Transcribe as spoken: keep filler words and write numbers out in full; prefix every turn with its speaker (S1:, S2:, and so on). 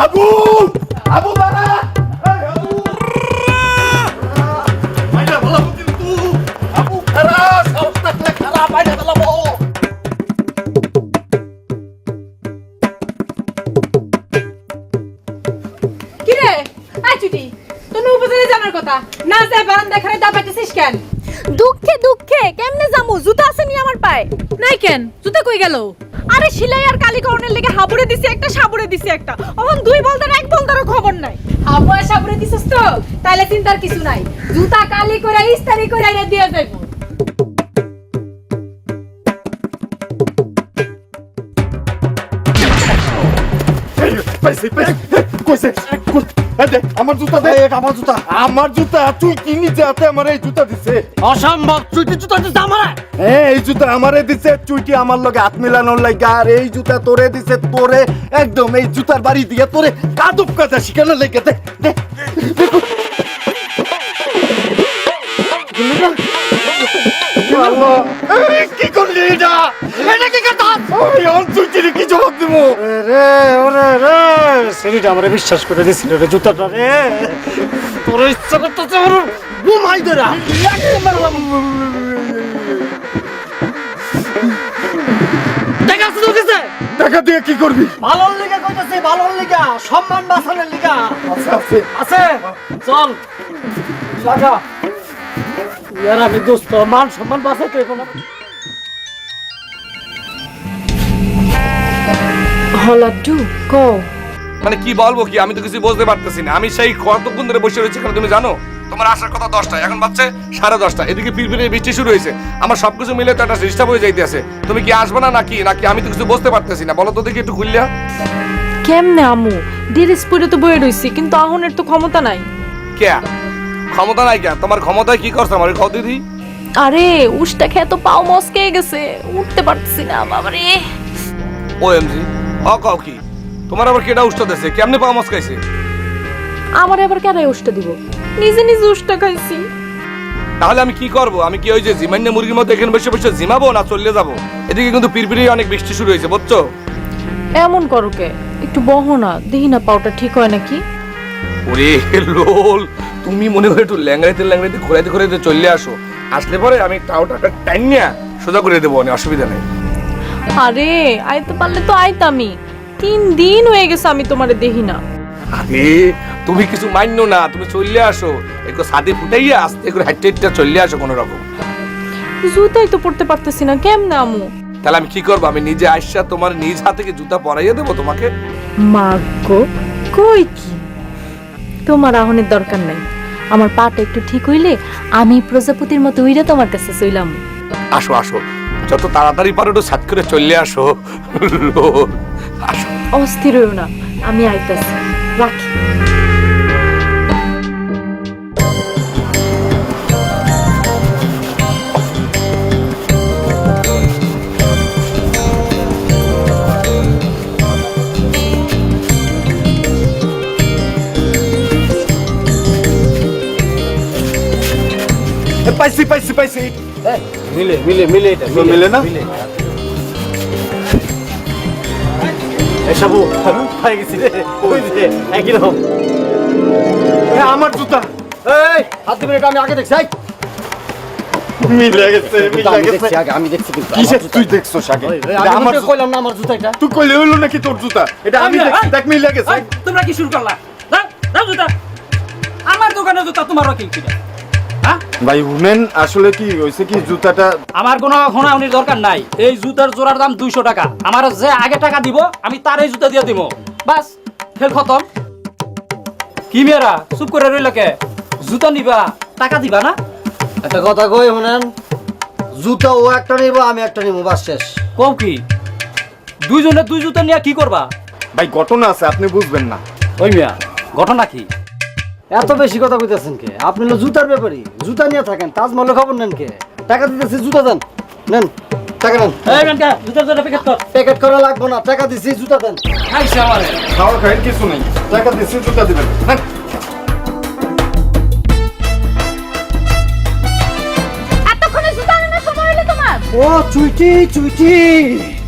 S1: আবু আবু দাঁড়া আবু মাইরা বলাবো কিন্তু আবু খারাপ সব থাকলে খারাপ মাইরা বলাবো।
S2: কিরে আই চুটি তুমি উপজেলে জানার কথা না যায় বারান্দা খারে দাবাইতেছিস কেন?
S3: দুঃখে দুঃখে কেমনে যামু? জুতা আছে নি আমার পায়ে?
S2: নাই কেন জুতা কই গেল?
S3: আরে সিলাই আর কালীকরণের লেগে হাবুড়ে দিছি একটা, সাবুড়ে দিছি একটা, এখন দুই বলদার এক বলদারও খবর নাই।
S2: আবু সাবরে দিছিস তো তাইলে চিন্তার কিছু নাই, জুতা কালি করে ইস্তারি করে আইরা দিয়া যাইবো।
S1: পাইছি পাইছি কইছে দেখ আমার জুতা দে আমার জুতা আমার জুতা তুই কি নিজে হাতে আমার এই জুতা দিছে
S4: অসম্ভব চুইটি জুতা দিছে আমার
S1: হ্যাঁ এই জুতা আমারে দিছে চুইটি আমার লগে হাত মিলানোর লাগা আর এই জুতা তোরে দিছে তোরে একদম এই জুতার বাড়ি দিয়ে তোরে কাদুপ কাজা শিখানোর লাগা দে দে আল্লাহ কি করলি এটা এটা কি কথা ওই অঞ্চুইটির কি জবাব দেব
S4: রে ওরে রে সেটা আমারে বিশ্বাস করে দিছিল রে জুতাটা রে তোর ইচ্ছা করতেছে ওর ঘুমাই দেরা টাকা শুধু গেছে
S1: টাকা দিয়ে কি করবি
S4: ভালোর লিগা কইতাছে ভালোর লিগা সম্মান বাঁচানোর লিগা
S1: আছে আছে
S4: আছে চল লাগা ইয়ার আমি দোস্ত মান সম্মান বাঁচাইতে কোনো
S3: হলাডু কো
S5: মানে কি বলবো কি আমি তো কিছু বুঝতে পারতেছি না। আমি সেই কতক্ষণ ধরে বসে রয়েছি কেন তুমি জানো? তোমার আসার কথা দশটা, এখন বাজছে সাড়ে দশটা, এদিকে পিরপিরে বৃষ্টি শুরু হয়েছে, আমার সবকিছু মিলে তো একটা ডিস্টার্ব হয়ে যাইতেছে। তুমি কি আসবে না নাকি নাকি আমি তো কিছু বুঝতে পারতেছি না, বলো তো দেখি একটু খুললিয়া।
S3: কেমনে আমু? ডিরেসপুরে তো বয়ে রইছি কিন্তু আহনের তো ক্ষমতা নাই।
S5: কে ক্ষমতা নাই? কে তোমার ক্ষমতায় কি করছো আমার খাও দিদি?
S3: আরে উষ্টা খেয়ে তো পাও মস্কে গেছে, উঠতে পারতেছি না বাবারে।
S5: ও এমজি অ কাও কি তোমার আবার কেডা উষ্টা দিছে? কেমনে পাওয়া মস্কাইছে?
S3: আমার আবার কেরাই উষ্টা দিব? নিজে নিজে উষ্টা খাইছি।
S5: তাহলে আমি কি করব? আমি কি ওই যে জিমান্য মুরগির মতো এখানে বসে বসে জিমাবো না চলে যাবো? এদিকে কিন্তু পিরপিরে অনেক বৃষ্টি শুরু হয়েছে বুঝছো?
S3: এমন করো কে? একটু বহো না, দেখি না পাওটা ঠিক হয় নাকি।
S5: ওরে লোল, তুমি মনে হয় একটু ল্যাংড়াইতে ল্যাংড়াইতে ঘোরাইতে ঘোরাইতে চলে আসো, আসলে পরে আমি টাওটা টাইনিয়া সোজা করে দেবো, অনেক অসুবিধা নেই।
S3: আরে আইতে পারলে তো আইতামি, তিন দিন হয়ে গেছে আমি তোমারে দেখি না।
S5: আরে তুমি কিছু মান্য না, তুমি চলে আসো, একটু সাদে ফুটাইয়া আস্তে করে হাইটে হাইটে চলে আসো কোনো রকম।
S3: জুতাই তো পড়তে পারতেছি না, কেমনে আমু?
S5: তাহলে আমি কি করবো? আমি নিজে আইসা তোমার নিজ হাতে কি জুতা পরাইয়া দেবো তোমাকে?
S3: মাগো কই কি, তোমার আহনের দরকার নাই। আমার পাটা একটু ঠিক হইলে আমি প্রজাপতির মতো উইরা তোমার কাছে চইলাম।
S5: আসো আসো, যত তাড়াতাড়ি পারো একটু সাত করে চলে আসো। লোল, আসো।
S3: অস্থির হইও না, আমি আইতাছি, রাখি।
S1: পাইছি পাইছি পাইছি
S4: মিলে মিলে মিলে এটা
S1: মিলে না
S4: এসবু পাই গেছি রে ওই যে একই রকম।
S1: আমার জুতা
S4: এই হাত দিবেন, এটা আমি আগে দেখছি। এই
S1: মিলে গেছে মিলে
S4: আমি
S1: গেছে
S4: দেখছি আগে, আমি দেখছি কিন্তু
S1: কিসে তুই দেখছো আগে
S4: আমি
S1: আমার
S4: তোকে কইলাম না আমার জুতা এটা।
S1: তুই কইলে হইলো নাকি তোর জুতা? এটা আমি দেখছি, দেখ মিলে গেছে।
S6: তোমরা কি শুরু করলা? দাও দাও জুতা, আমার দোকানে জুতা তোমার কি কিনা? হ্যাঁ
S1: ভাই উমেন আসলে কি হইছে কি জুতাটা
S6: আমার কোনো ঘোনাউনির দরকার নাই, এই জুতার জোড়ার দাম দুইশো টাকা, আমার যে আগে টাকা দিব আমি তার এই জুতা দিয়ে দিব, বাস খেল খতম। কি মেয়েরা চুপ করে রইল কে? জুতা নিবা টাকা দিবা না?
S4: একটা কথা কই শুনেন, জুতা ও একটা নিব আমি একটা নিব, বাস শেষ।
S6: কও কি দুইজনে দুই জুতা নিয়ে কি করবা?
S1: ভাই ঘটনা আছে আপনি বুঝবেন না।
S6: ওই মিয়া ঘটনা কি?
S4: এত বেশি কথা কইতেছেন কে? আপনি হলো জুতার ব্যাপারী, জুতা নিয়ে থাকেন, তাজমহলের খবর নেন কে? টাকা দিতেছি, জুতা দেন, নেন টাকা নেন।
S6: এই বেনকা জুতার জোড়া প্যাকেট কর।
S4: প্যাকেট করা লাগবে না, টাকা দিছি, জুতা দেন।
S6: আইসা আমারে
S1: খাওয়া খাই কিছু নেই, টাকা দিচ্ছি জুতা দিবেন। হ্যাঁ
S3: এতক্ষণে জুতা আনার সময় হলো তোমার?
S4: ও চুইটি চুইটি